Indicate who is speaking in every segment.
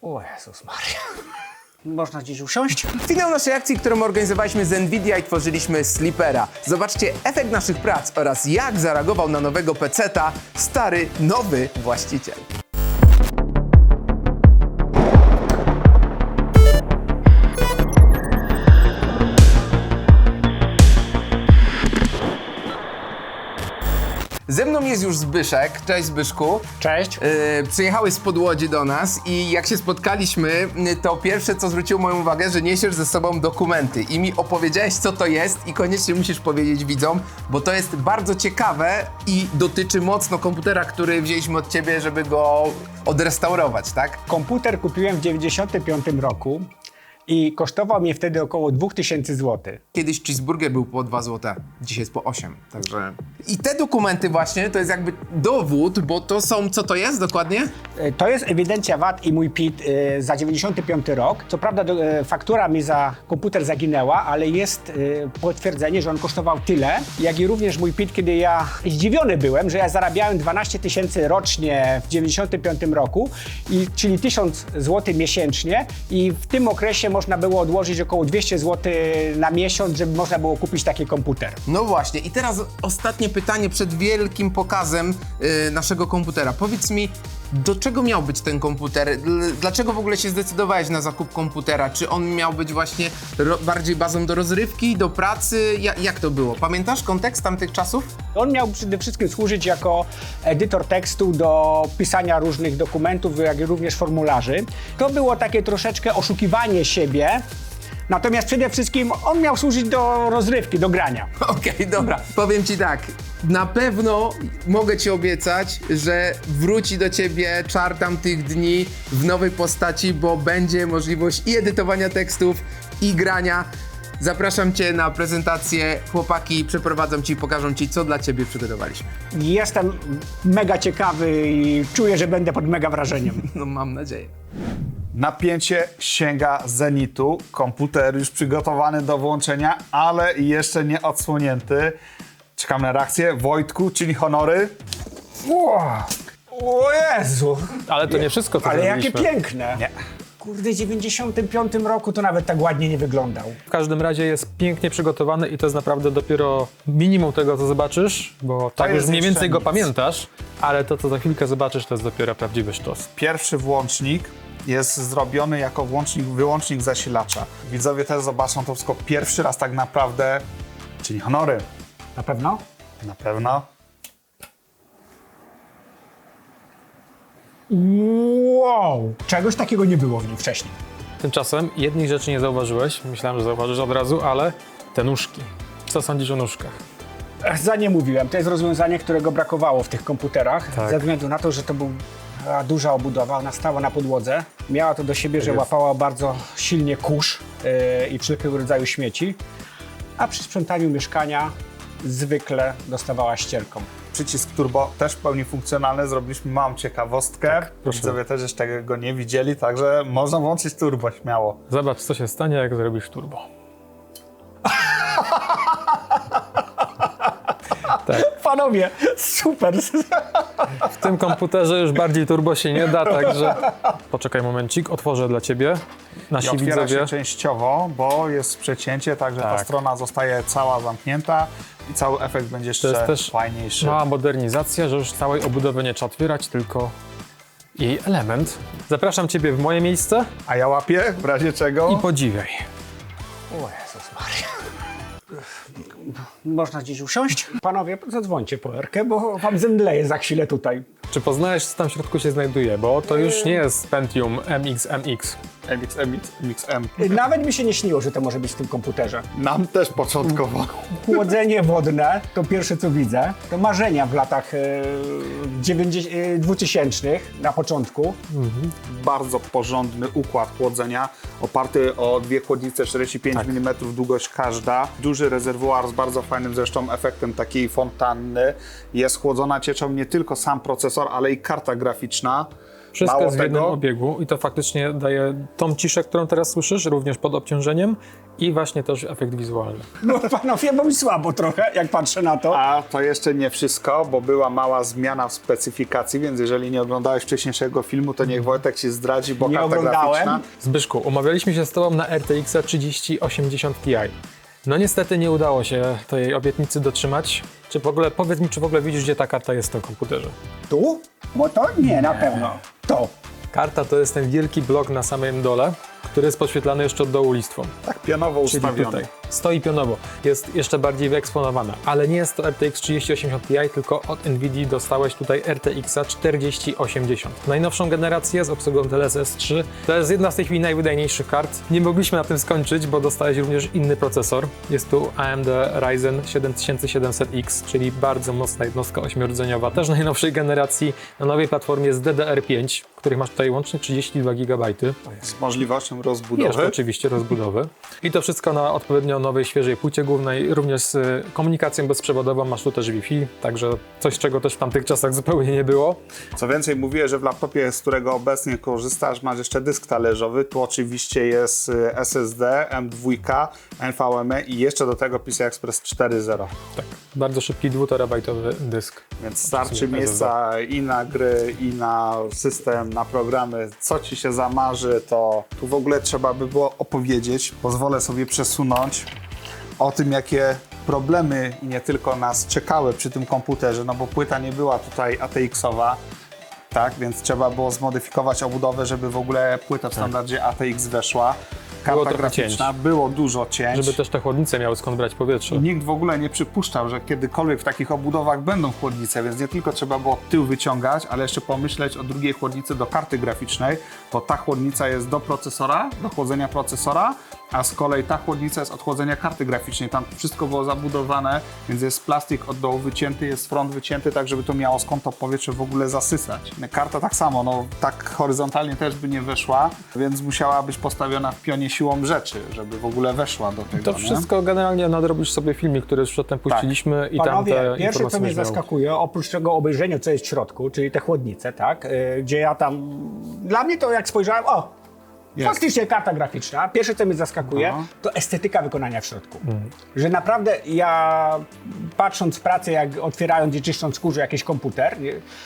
Speaker 1: O Jezus Maria. Można gdzieś usiąść?
Speaker 2: Finał naszej akcji, którą organizowaliśmy z Nvidia i tworzyliśmy Sleepera. Zobaczcie efekt naszych prac oraz jak zareagował na nowego peceta stary, nowy właściciel. Ze mną jest już Zbyszek. Cześć Zbyszku.
Speaker 1: Cześć.
Speaker 2: Przyjechałeś spod Łodzi do nas i jak się spotkaliśmy, to pierwsze co zwróciło moją uwagę, że niesiesz ze sobą dokumenty i mi opowiedziałeś co to jest i koniecznie musisz powiedzieć widzom, bo to jest bardzo ciekawe i dotyczy mocno komputera, który wzięliśmy od ciebie, żeby go odrestaurować, tak?
Speaker 1: Komputer kupiłem w 95 roku i kosztował mnie wtedy około 2000 zł.
Speaker 2: Kiedyś cheeseburger był po 2 zł, dzisiaj jest po 8, także... I te dokumenty właśnie to jest jakby dowód, bo to są, co to jest dokładnie?
Speaker 1: To jest ewidencja VAT i mój PIT za 95 rok. Co prawda faktura mi za komputer zaginęła, ale jest potwierdzenie, że on kosztował tyle, jak i również mój PIT, kiedy ja zdziwiony byłem, że ja zarabiałem 12 000 rocznie w 95 roku, czyli 1000 zł miesięcznie i w tym okresie można było odłożyć około 200 zł na miesiąc, żeby można było kupić taki komputer.
Speaker 2: No właśnie, i teraz ostatnie pytanie przed wielkim pokazem naszego komputera. Powiedz mi, do czego miał być ten komputer? Dlaczego w ogóle się zdecydowałeś na zakup komputera? Czy on miał być właśnie bardziej bazą do rozrywki, do pracy? Jak to było? Pamiętasz kontekst tamtych czasów?
Speaker 1: On miał przede wszystkim służyć jako edytor tekstu do pisania różnych dokumentów, jak i również formularzy. To było takie troszeczkę oszukiwanie siebie. Natomiast przede wszystkim on miał służyć do rozrywki, do grania.
Speaker 2: Okej, dobra. Powiem ci tak, na pewno mogę ci obiecać, że wróci do ciebie czar tamtych dni w nowej postaci, bo będzie możliwość i edytowania tekstów, i grania. Zapraszam cię na prezentację. Chłopaki przeprowadzą ci i pokażą ci, co dla ciebie przygotowaliśmy.
Speaker 1: Jestem mega ciekawy i czuję, że będę pod mega wrażeniem.
Speaker 2: No mam nadzieję.
Speaker 3: Napięcie sięga zenitu. Komputer już przygotowany do włączenia, ale jeszcze nie odsłonięty. Czekam na reakcję. Wojtku, czyni honory.
Speaker 1: O Jezu!
Speaker 4: Ale to nie wszystko, co
Speaker 1: Ale jakie
Speaker 4: zrobiliśmy.
Speaker 1: piękne!
Speaker 3: Nie.
Speaker 1: Kurde, w 95 roku to nawet tak ładnie nie wyglądał.
Speaker 4: W każdym razie jest pięknie przygotowany i to jest naprawdę dopiero minimum tego, co zobaczysz, bo tak już
Speaker 3: jest
Speaker 4: mniej więcej
Speaker 3: jeszcze
Speaker 4: go
Speaker 3: nic.
Speaker 4: pamiętasz, ale to, co za chwilkę zobaczysz, to jest dopiero prawdziwy sztos.
Speaker 3: Pierwszy włącznik jest zrobiony jako wyłącznik zasilacza. Widzowie też zobaczą to wszystko pierwszy raz tak naprawdę. Czyni honory.
Speaker 1: Na pewno?
Speaker 3: Na pewno.
Speaker 1: Wow! Czegoś takiego nie było w nim wcześniej.
Speaker 4: Tymczasem jednej rzeczy nie zauważyłeś, myślałem, że zauważysz od razu, ale te nóżki. Co sądzisz o nóżkach?
Speaker 1: Za nie mówiłem. To jest rozwiązanie, którego brakowało w tych komputerach.
Speaker 4: Tak.
Speaker 1: Ze względu na to, że to była duża obudowa, ona stała na podłodze. Miała to do siebie, że
Speaker 4: jest.
Speaker 1: łapała bardzo silnie kurz i wszelkiego rodzaju śmieci. A przy sprzątaniu mieszkania zwykle dostawała ścierką.
Speaker 3: Przycisk turbo też w pełni funkcjonalny. Zrobiliśmy małą ciekawostkę.
Speaker 4: proszę.
Speaker 3: Widzowie też jeszcze tego nie widzieli, także można włączyć turbo śmiało.
Speaker 4: Zobacz, co się stanie, jak zrobisz turbo.
Speaker 1: Panowie, super!
Speaker 4: W tym komputerze już bardziej turbo się nie da, także poczekaj momencik, otworzę dla ciebie.
Speaker 3: I
Speaker 4: Nasi
Speaker 3: otwiera
Speaker 4: widzowie.
Speaker 3: się częściowo, bo jest przecięcie, także ta
Speaker 4: Tak.
Speaker 3: strona zostaje cała zamknięta i cały efekt będzie
Speaker 4: To
Speaker 3: jeszcze
Speaker 4: jest też
Speaker 3: fajniejszy.
Speaker 4: mała modernizacja, że już całej obudowy nie trzeba otwierać, tylko jej element. Zapraszam ciebie w moje miejsce
Speaker 3: A ja łapię, w razie czego.
Speaker 4: i podziwiaj.
Speaker 1: O Jezus Maria. Można gdzieś usiąść? Panowie, zadzwońcie po Erkę, bo wam zemdleje za chwilę tutaj.
Speaker 4: Czy poznajesz, co tam w środku się znajduje? Bo to już nie jest Pentium MX.
Speaker 3: MXM.
Speaker 1: Nawet mi się nie śniło, że to może być w tym komputerze.
Speaker 3: Nam też początkowo.
Speaker 1: Chłodzenie wodne, to pierwsze co widzę, to marzenia w latach 2000 na początku.
Speaker 3: Bardzo porządny układ chłodzenia, oparty o dwie chłodnice 45 mm długość każda. Duży rezerwuar z bardzo fajnym zresztą efektem takiej fontanny. Jest chłodzona cieczą nie tylko sam procesor, ale i karta graficzna.
Speaker 4: Wszystko
Speaker 3: Mało
Speaker 4: jest w jednym
Speaker 3: tego,
Speaker 4: obiegu i to faktycznie daje tą ciszę, którą teraz słyszysz, również pod obciążeniem i właśnie też efekt wizualny.
Speaker 1: No panowie, bo mi słabo trochę, jak patrzę na to.
Speaker 3: a to jeszcze nie wszystko, bo była mała zmiana w specyfikacji, więc jeżeli nie oglądałeś wcześniejszego filmu, to niech Wojtek się zdradzi, bo
Speaker 1: Nie
Speaker 3: karta
Speaker 1: oglądałem.
Speaker 3: graficzna...
Speaker 4: Zbyszku, umawialiśmy się z Tobą na RTX 3080 Ti. No niestety nie udało się tej obietnicy dotrzymać. Czy w ogóle, powiedz mi, czy w ogóle widzisz, gdzie ta karta jest w tym komputerze?
Speaker 1: Tu? Bo to nie, na pewno. To.
Speaker 4: Karta to jest ten wielki blok na samym dole, który jest podświetlany jeszcze od dołu listwą.
Speaker 3: Tak pionowo
Speaker 4: Czyli
Speaker 3: ustawiony.
Speaker 4: tutaj. Stoi pionowo. Jest jeszcze bardziej wyeksponowana. Ale nie jest to RTX 3080 Ti, tylko od NVIDII dostałeś tutaj RTX 4080. Najnowszą generację z obsługą DLSS 3. To jest jedna z tej chwili najwydajniejszych kart. Nie mogliśmy na tym skończyć, bo dostałeś również inny procesor. Jest tu AMD Ryzen 7700X, czyli bardzo mocna jednostka ośmiordzeniowa, też najnowszej generacji, na nowej platformie z DDR5, których masz tutaj łącznie 32 GB.
Speaker 3: Z możliwością
Speaker 4: Jeszcze
Speaker 3: rozbudowy.
Speaker 4: oczywiście rozbudowy. I to wszystko na odpowiednio nowej, świeżej płycie głównej, również z komunikacją bezprzewodową, masz tu też Wi-Fi, także coś, czego też w tamtych czasach zupełnie nie było.
Speaker 3: Co więcej, mówię, że w laptopie, z którego obecnie korzystasz, masz jeszcze dysk talerzowy. Tu oczywiście jest SSD, M2, NVMe i jeszcze do tego PCI Express 4.0.
Speaker 4: Tak, bardzo szybki 2-terabajtowy dysk.
Speaker 3: Więc starczy
Speaker 4: SSD.
Speaker 3: miejsca i na gry, i na system, na programy. Co ci się zamarzy, to tu w ogóle trzeba by było opowiedzieć. Pozwolę sobie przesunąć o tym, jakie problemy i nie tylko nas czekały przy tym komputerze, no bo płyta nie była tutaj ATX-owa, tak, więc trzeba było zmodyfikować obudowę, żeby w ogóle płyta w standardzie ATX weszła.
Speaker 4: Było
Speaker 3: Karta
Speaker 4: trochę
Speaker 3: graficzna,
Speaker 4: cięć.
Speaker 3: było dużo cięć.
Speaker 4: Żeby też te chłodnice miały skąd brać powietrze.
Speaker 3: Nikt w ogóle nie przypuszczał, że kiedykolwiek w takich obudowach będą chłodnice, więc nie tylko trzeba było tył wyciągać, ale jeszcze pomyśleć o drugiej chłodnicy do karty graficznej, bo ta chłodnica jest do procesora, do chłodzenia procesora, a z kolei ta chłodnica jest od chłodzenia karty graficznej. Tam wszystko było zabudowane, więc jest plastik od dołu wycięty, jest front wycięty, tak żeby to miało skąd to powietrze w ogóle zasysać. Karta tak samo, no tak horyzontalnie też by nie weszła, więc musiała być postawiona w pionie siłą rzeczy, żeby w ogóle weszła do tego.
Speaker 4: To
Speaker 3: nie?
Speaker 4: wszystko generalnie nadrobisz sobie filmik, który już przedtem puściliśmy i tam
Speaker 1: Panowie,
Speaker 4: te
Speaker 1: pierwsze co
Speaker 4: informacje
Speaker 1: mnie
Speaker 4: będziesz miał.
Speaker 1: zaskakuje, oprócz tego obejrzenia, co jest w środku, czyli te chłodnice, tak, gdzie ja tam, dla mnie to jak spojrzałem, faktycznie karta graficzna, pierwsze co mnie zaskakuje,
Speaker 3: No.
Speaker 1: to estetyka wykonania w środku. Że naprawdę ja, patrząc w pracę, jak otwierając i czyszcząc skórze jakiś komputer,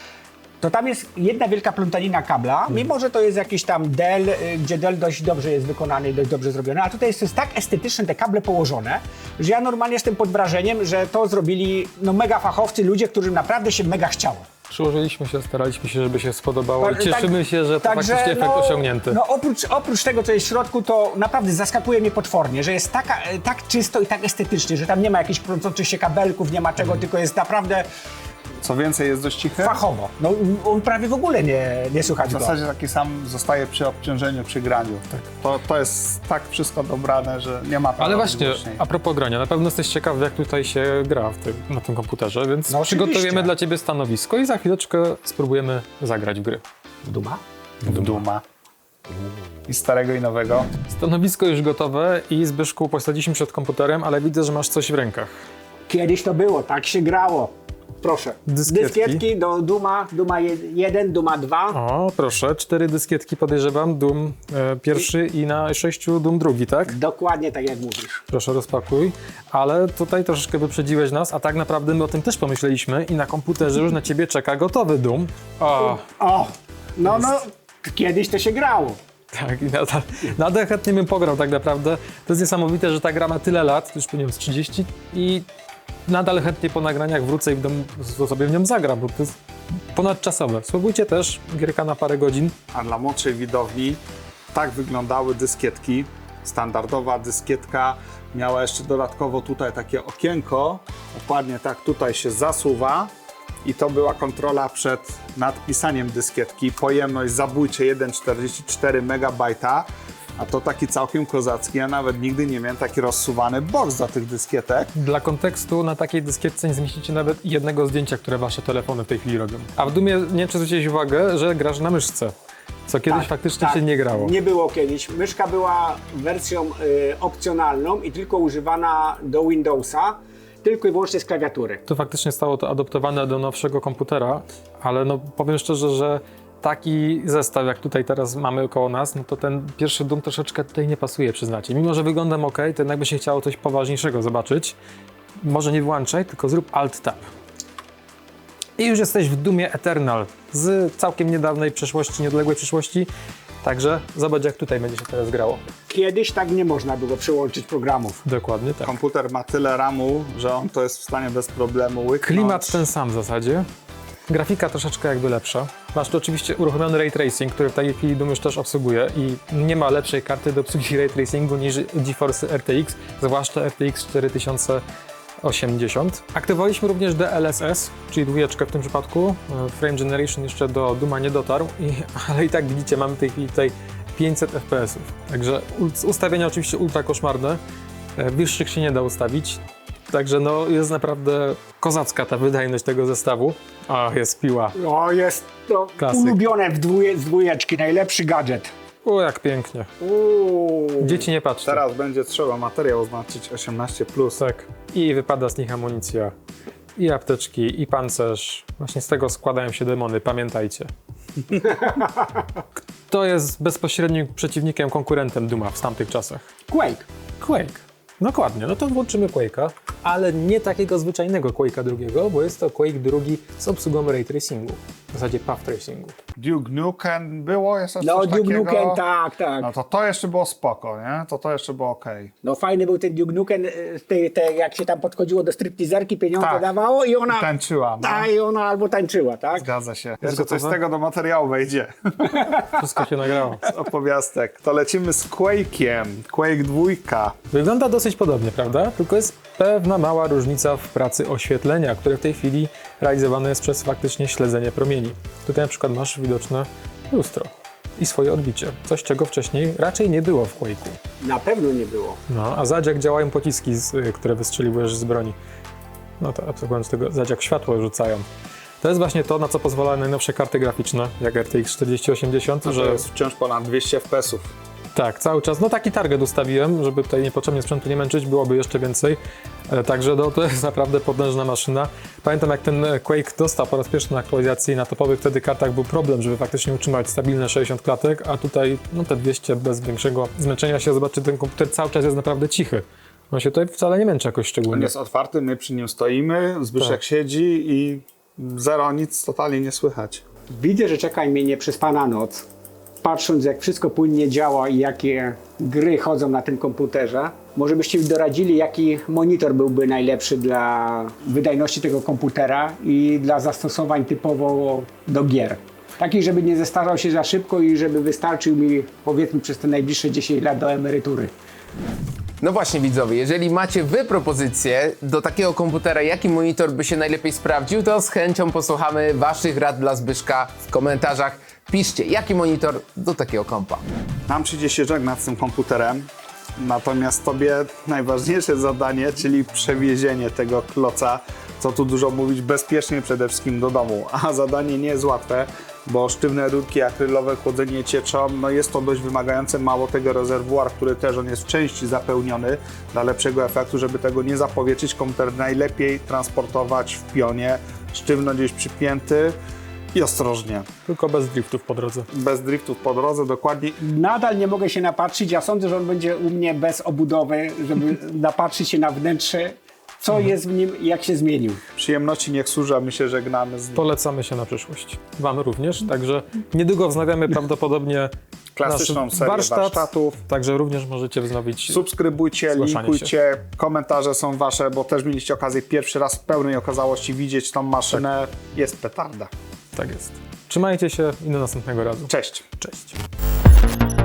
Speaker 1: to tam jest jedna wielka plątanina kabla, mimo że to jest jakiś tam Dell, gdzie Dell dość dobrze jest wykonany i dość dobrze zrobione, a tutaj jest tak estetyczne te kable położone, że ja normalnie jestem pod wrażeniem, że to zrobili no, mega fachowcy, ludzie, którym naprawdę się mega chciało.
Speaker 4: Przyłożyliśmy się, staraliśmy się, żeby się spodobało i
Speaker 1: Tak,
Speaker 4: cieszymy się, że to
Speaker 1: także,
Speaker 4: faktycznie efekt osiągnięty.
Speaker 1: No oprócz tego, co jest w środku, to naprawdę zaskakuje mnie potwornie, że jest tak czysto i tak estetycznie, że tam nie ma jakichś kręcących się kabelków, nie ma czego, tylko jest naprawdę
Speaker 3: Co więcej, jest dość cichy.
Speaker 1: fachowo. No on prawie w ogóle nie słychać
Speaker 3: W
Speaker 1: go.
Speaker 3: zasadzie taki sam zostaje przy obciążeniu, przy graniu. To jest tak wszystko dobrane, że nie ma
Speaker 4: Ale właśnie,
Speaker 3: głośniej.
Speaker 4: a propos grania, na pewno jesteś ciekaw, jak tutaj się gra na tym komputerze, więc
Speaker 1: No
Speaker 4: przygotujemy
Speaker 1: oczywiście.
Speaker 4: dla Ciebie stanowisko i za chwileczkę spróbujemy zagrać w gry.
Speaker 1: Duma?
Speaker 3: Duma. I starego i nowego.
Speaker 4: Stanowisko już gotowe i Zbyszku posadziliśmy przed komputerem, ale widzę, że masz coś w rękach.
Speaker 1: Kiedyś to było, tak się grało. Proszę.
Speaker 4: Dyskietki.
Speaker 1: do Duma 1, Duma 2.
Speaker 4: O, proszę, 4 dyskietki podejrzewam, Doom pierwszy i na 6 Doom drugi, tak?
Speaker 1: Dokładnie tak jak mówisz.
Speaker 4: Proszę, rozpakuj. Ale tutaj troszeczkę wyprzedziłeś nas, a tak naprawdę my o tym też pomyśleliśmy i na komputerze już na Ciebie czeka gotowy Doom. O,
Speaker 1: No, kiedyś to się grało.
Speaker 4: tak, i nadal chętnie bym pograł tak naprawdę. To jest niesamowite, że ta gra ma tyle lat, już po nią z 30 i nadal chętnie po nagraniach wrócę i w domu sobie w nią zagram, bo to jest ponadczasowe. Spróbujcie też, gierka na parę godzin.
Speaker 3: A dla młodszej widowni tak wyglądały dyskietki. Standardowa dyskietka miała jeszcze dodatkowo tutaj takie okienko. Dokładnie tak tutaj się zasuwa. I to była kontrola przed nadpisaniem dyskietki. Pojemność zabójcze 1,44 MB. A to taki całkiem kozacki. Ja nawet nigdy nie miałem taki rozsuwany boks do tych dyskietek.
Speaker 4: Dla kontekstu, na takiej dyskietce nie zmieścicie nawet jednego zdjęcia, które wasze telefony w tej chwili robią. A w Dumie nie wiem, czy zwróciłeś uwagę, że grasz na myszce, co kiedyś faktycznie się nie grało.
Speaker 1: Nie było kiedyś. Myszka była wersją opcjonalną i tylko używana do Windowsa, tylko i wyłącznie z klawiatury.
Speaker 4: To faktycznie stało to adoptowane do nowszego komputera, ale no powiem szczerze, że taki zestaw, jak tutaj teraz mamy koło nas, no to ten pierwszy Doom troszeczkę tutaj nie pasuje, przyznacie. Mimo że wyglądam ok, to jednak by się chciało coś poważniejszego zobaczyć. Może nie wyłączaj, tylko zrób Alt-Tab. I już jesteś w Doomie Eternal z całkiem niedawnej przeszłości, nieodległej przyszłości. Także zobacz, jak tutaj będzie się teraz grało.
Speaker 1: Kiedyś tak nie można było przełączyć programów.
Speaker 4: Dokładnie tak.
Speaker 3: Komputer ma tyle RAMu, że on to jest w stanie bez problemu łyknąć.
Speaker 4: Klimat ten sam w zasadzie. Grafika troszeczkę jakby lepsza. Masz tu oczywiście uruchomiony Ray Tracing, który w tej chwili Doom już też obsługuje i nie ma lepszej karty do obsługi Ray Tracingu niż GeForce RTX, zwłaszcza RTX 4080. Aktywowaliśmy również DLSS, czyli dwójeczkę w tym przypadku. Frame Generation jeszcze do Dooma nie dotarł, ale i tak widzicie, mamy w tej chwili tutaj 500 FPS-ów. Także ustawienia oczywiście ultra koszmarne, wyższych się nie da ustawić. Także no jest naprawdę kozacka ta wydajność tego zestawu. A, jest piła.
Speaker 1: O, jest to
Speaker 4: Klasyk.
Speaker 1: ulubione z dwójeczki, najlepszy gadżet.
Speaker 4: O, jak pięknie. Dzieci nie patrzcie.
Speaker 3: Teraz będzie trzeba materiał oznaczyć 18+.
Speaker 4: Tak. I wypada z nich amunicja, i apteczki, i pancerz. Właśnie z tego składają się demony, pamiętajcie. Kto jest bezpośrednim przeciwnikiem, konkurentem Dooma w tamtych czasach?
Speaker 1: Quake.
Speaker 4: Quake. Dokładnie, no to włączymy Quake'a, ale nie takiego zwyczajnego Quake'a drugiego, bo jest to Quake drugi z obsługą Ray Tracingu, w zasadzie Path Tracingu.
Speaker 3: Duke Nukem było jeszcze
Speaker 1: No,
Speaker 3: coś
Speaker 1: Duke
Speaker 3: takiego?
Speaker 1: Nukem, tak.
Speaker 3: No to jeszcze było spoko, nie? To jeszcze było okej.
Speaker 1: No fajny był ten Duke Nukem, jak się tam podchodziło do stripteaserki, pieniądze
Speaker 3: Tak.
Speaker 1: dawało i ona...
Speaker 3: Tańczyła, no.
Speaker 1: I ona albo tańczyła, tak?
Speaker 3: Zgadza się. Jeszcze coś z
Speaker 4: gotowe?
Speaker 3: tego do materiału wejdzie.
Speaker 4: Wszystko się nagrało.
Speaker 3: Z opowiastek. To lecimy z Quake'iem. Quake 2.
Speaker 4: Wygląda dosyć podobnie, prawda? Tylko jest pewna mała różnica w pracy oświetlenia, które w tej chwili realizowane jest przez faktycznie śledzenie promieni. Tutaj na przykład masz widoczne lustro i swoje odbicie. Coś, czego wcześniej raczej nie było w Quake'u.
Speaker 1: Na pewno nie było.
Speaker 4: No, a zobacz, jak działają pociski, które wystrzeliwujesz z broni. No to abstrahując tego, zobacz, jak światło rzucają. To jest właśnie to, na co pozwalają najnowsze karty graficzne, jak RTX 4080,
Speaker 3: To
Speaker 4: że
Speaker 3: jest wciąż ponad 200 FPS-ów.
Speaker 4: tak, cały czas. No taki target ustawiłem, żeby tutaj niepotrzebnie sprzętu nie męczyć, byłoby jeszcze więcej. Także no, to jest naprawdę potężna maszyna. Pamiętam, jak ten Quake dostał po raz pierwszy na aktualizacji na topowych wtedy kartach był problem, żeby faktycznie utrzymać stabilne 60 klatek, a tutaj no te 200 bez większego zmęczenia się. Zobaczcie, ten komputer cały czas jest naprawdę cichy. On się tutaj wcale nie męczy jakoś
Speaker 3: On
Speaker 4: szczególnie.
Speaker 3: jest otwarty, my przy nim stoimy, Zbyszek
Speaker 4: Tak.
Speaker 3: siedzi i zero, nic totalnie nie słychać.
Speaker 1: Widzę, że czeka mnie nieprzespana noc. Patrząc, jak wszystko płynnie działa i jakie gry chodzą na tym komputerze, może byście mi doradzili, jaki monitor byłby najlepszy dla wydajności tego komputera i dla zastosowań typowo do gier. Taki, żeby nie zestarzał się za szybko i żeby wystarczył mi, powiedzmy, przez te najbliższe 10 lat do emerytury.
Speaker 2: No właśnie widzowie, jeżeli macie wy propozycję do takiego komputera, jaki monitor by się najlepiej sprawdził, to z chęcią posłuchamy waszych rad dla Zbyszka w komentarzach. Piszcie, jaki monitor do takiego kompa.
Speaker 3: Nam przyjdzie się żegnać z tym komputerem, natomiast tobie najważniejsze zadanie, czyli przewiezienie tego kloca, co tu dużo mówić, bezpiecznie przede wszystkim do domu. A zadanie nie jest łatwe, bo sztywne rurki akrylowe, chłodzenie cieczą, no jest to dość wymagające. Mało tego, rezerwuar, który też on jest w części zapełniony dla lepszego efektu, żeby tego nie zapowietrzyć. Komputer najlepiej transportować w pionie, sztywno gdzieś przypięty i ostrożnie.
Speaker 4: Tylko bez driftów po drodze.
Speaker 3: Bez driftów po drodze, dokładnie.
Speaker 1: Nadal nie mogę się napatrzyć. Ja sądzę, że on będzie u mnie bez obudowy, żeby napatrzyć się na wnętrze, co jest w nim i jak się zmienił.
Speaker 3: Przyjemności niech służy, a my się żegnamy z nim.
Speaker 4: Polecamy się na przyszłość. Wam również, także niedługo wznawiamy prawdopodobnie
Speaker 3: Klasyczną
Speaker 4: nasz
Speaker 3: serię warsztatów.
Speaker 4: Także również możecie wznowić.
Speaker 3: Subskrybujcie,
Speaker 4: Zgłaszanie
Speaker 3: linkujcie, komentarze są wasze, bo też mieliście okazję pierwszy raz w pełnej okazałości widzieć tą maszynę. Jest petarda.
Speaker 4: Tak jest. Trzymajcie się i do następnego razu.
Speaker 3: Cześć.
Speaker 4: Cześć.